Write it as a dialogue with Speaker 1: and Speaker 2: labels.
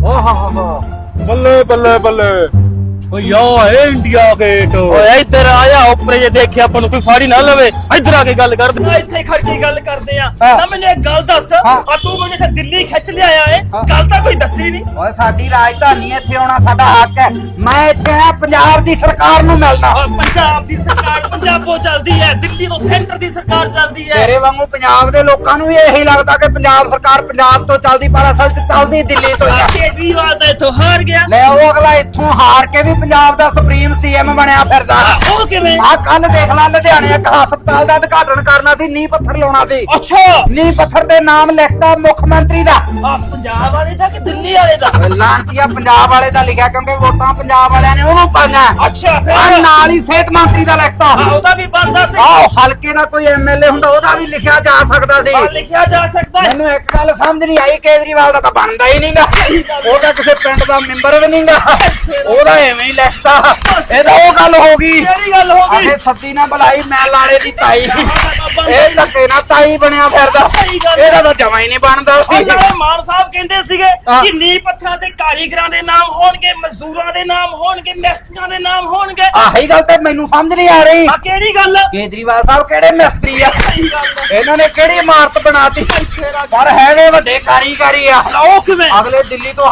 Speaker 1: ਬੱਲੇ ਬੱਲੇ ਬੱਲੇ ਓ ਯਾ ਹੈ ਇੰਡੀਆ ਗੇਟ।
Speaker 2: ਓਏ ਇੱਧਰ ਆ ਜਾ, ਉੱਪਰ ਜੇ ਦੇਖਿਆ ਆਪਾਂ ਨੂੰ ਕੋਈ ਫਾੜੀ ਨਾ ਲਵੇ। ਇੱਧਰ ਆ ਕੇ ਗੱਲ ਕਰਦੇ ਆ, ਇੱਥੇ ਖੜ ਕੇ ਗੱਲ ਕਰਦੇ ਆ। ਨਾ ਮੈਨੂੰ ਇੱਕ ਗੱਲ ਦੱਸ, ਆ ਤੂੰ ਮੈਨੂੰ ਇੱਥੇ ਦਿੱਲੀ ਖਿੱਚ ਲਿਆਇਆ ਏ, ਗੱਲ ਤਾਂ ਕੋਈ ਦੱਸੀ ਨਹੀਂ।
Speaker 3: ਓਏ ਸਾਡੀ ਰਾਜਧਾਨੀ ਇੱਥੇ ਆਉਣਾ ਸਾਡਾ ਹੱਕ ਹੈ। ਮੈਂ ਇੱਥੇ ਆ ਪੰਜਾਬ ਦੀ ਸਰਕਾਰ ਨੂੰ ਮਿਲਣਾ।
Speaker 2: ਪੰਜਾਬ ਦੀ ਸਰਕਾਰ ਪੰਜਾਬੋਂ ਚੱਲਦੀ ਹੈ, ਦਿੱਲੀ ਤੋਂ ਸੈਂਟਰ ਦੀ ਸਰਕਾਰ ਚੱਲਦੀ ਹੈ।
Speaker 3: ਤੇਰੇ ਵਾਂਗੂ ਪੰਜਾਬ ਦੇ ਲੋਕਾਂ ਨੂੰ ਵੀ ਇਹੀ ਲੱਗਦਾ ਕਿ ਪੰਜਾਬ ਸਰਕਾਰ ਪੰਜਾਬ ਤੋਂ ਚੱਲਦੀ, ਪਰ ਅਸਲ 'ਚ ਚੱਲਦੀ ਦਿੱਲੀ ਤੋਂ ਹੀ ਆ।
Speaker 2: ਕੇਜਰੀਵਾਲ ਤਾਂ ਇੱਥੋਂ ਹਾਰ ਗਿਆ।
Speaker 3: ਲੈ ਉਹ ਅਗਲਾ ਇੱਥੋਂ ਹਾਰ ਕੇ ਵੀ ਪੰਜਾਬ ਦਾ ਸੁਪਰੀਮ ਸੀਐਮ ਬਣਿਆ ਫਿਰਦਾ।
Speaker 2: ਉਹ ਕਿਵੇਂ?
Speaker 3: ਆ ਕੱਲ ਦੇਖ ਲੈ, ਲੁਧਿਆਣੇ ਇੱਕ ਹਸਪਤਾਲ ਦਾ ਉਦਘਾਟਨ ਕਰਨਾ ਸੀ, ਨੀਂਹ ਪੱਥਰ ਲਾਉਣਾ ਸੀ।
Speaker 2: ਅੱਛਾ,
Speaker 3: ਨੀਂਹ ਪੱਥਰ ਤੇ ਨਾਮ ਲਿਖਤਾ ਮੁੱਖ ਮੰਤਰੀ ਦਾ।
Speaker 2: ਆ ਪੰਜਾਬ ਵਾਲੇ ਦਾ ਕਿ ਦਿੱਲੀ ਵਾਲੇ ਦਾ?
Speaker 3: ਲਾਂਟੀਆ ਪੰਜਾਬ ਵਾਲੇ ਦਾ ਲਿਖਿਆ, ਕਿਉਂਕਿ ਵੋਟਾਂ ਪੰਜਾਬ ਵਾਲਿਆਂ ਨੇ ਉਹਨੂੰ ਪਾਈਆਂ।
Speaker 2: ਅੱਛਾ,
Speaker 3: ਆ
Speaker 2: ਫਿਰ
Speaker 3: ਨਾਲ ਹੀ ਸਿਹਤ ਮੰਤਰੀ ਦਾ ਲਿਖਤਾ।
Speaker 2: ਉਹਦਾ ਵੀ ਬਣਦਾ ਸੀ।
Speaker 3: ਆਹ ਹਲਕੇ ਦਾ ਕੋਈ ਐਮਐਲਏ ਹੁੰਦਾ, ਉਹਦਾ ਵੀ ਲਿਖਿਆ ਜਾ ਸਕਦਾ ਸੀ।
Speaker 2: ਲਿਖਿਆ ਜਾ ਸਕਦਾ ਹੈ।
Speaker 3: ਮੈਨੂੰ ਇੱਕ ਗੱਲ ਸਮਝ ਨਹੀਂ ਆਈ, ਕੇਜਰੀਵਾਲ ਦਾ ਤਾਂ ਬਣਦਾ ਹੀ ਨਹੀਂਗਾ। ਉਹਦਾ ਕਿਸੇ ਪਿੰਡ ਦਾ ਮੈਂਬਰ ਵੀ ਨਹੀਂਗਾ, ਉਹਦਾ ਐਵੇਂ ਹੀ ਲਿਖਤਾ। ਇਹ ਤਾਂ ਉਹ ਗੱਲ ਹੋ ਗਈ।
Speaker 2: ਕਿਹੜੀ ਗੱਲ ਹੋ ਗਈ?
Speaker 3: ਆਹੇ ਸੱਦੀ ਨਾ ਬੁਲਾਈ, ਮੈਂ ਲਾੜੇ ਦੀ ਤਾਈ। ਇਹ ਧੱਕੇ ਨਾਲ ਤਾਈ ਬਣਿਆ ਫਿਰਦਾ। ਇਹਦਾ ਤਾਂ ਜਮਾ ਹੀ ਨਹੀਂ ਬਣਦਾ ਸੀ।
Speaker 2: ਨਾਲੇ ਮਾਨ ਸਾਹਿਬ ਕਹਿੰਦੇ ਸੀਗੇ ਕਿ ਨੀਂਹ ਪੱਥਰਾਂ ਤੇ ਕਾਰੀਗਰਾਂ ਦੇ ਨਾਮ ਹੋਣਗੇ, ਮਜ਼ਦੂਰਾਂ ਦੇ ਨਾਮ ਹੋਣਗੇ, ਮਿਸਤਰੀਆਂ ਦੇ ਨਾਮ ਹੋਣਗੇ।
Speaker 3: ਆਹੀ ਗੱਲ ਤੇ ਮੈਨੂੰ ਸਮਝ ਨਹੀਂ ਆ ਰਹੀ।
Speaker 2: ਆ ਕਿਹੜੀ ਗੱਲ?
Speaker 3: ਕੇਜਰੀਵਾਲ ਸਾਹਿਬ ਕਿਹੜੇ ਮਿਸਤਰੀ ਆ? ਇਹਨਾਂ ਨੇ ਕਿਹੜੀ ਇਮਾਰਤ ਬਣਾਤੀ? ਪਰ ਹੈਗੇ ਵੱਡੇ ਕਾਰੀਗਰੀ ਆ।
Speaker 2: ਉਹ ਕਿਵੇਂ?
Speaker 3: ਅਗਲੇ ਦਿੱਲੀ ਤੋਂ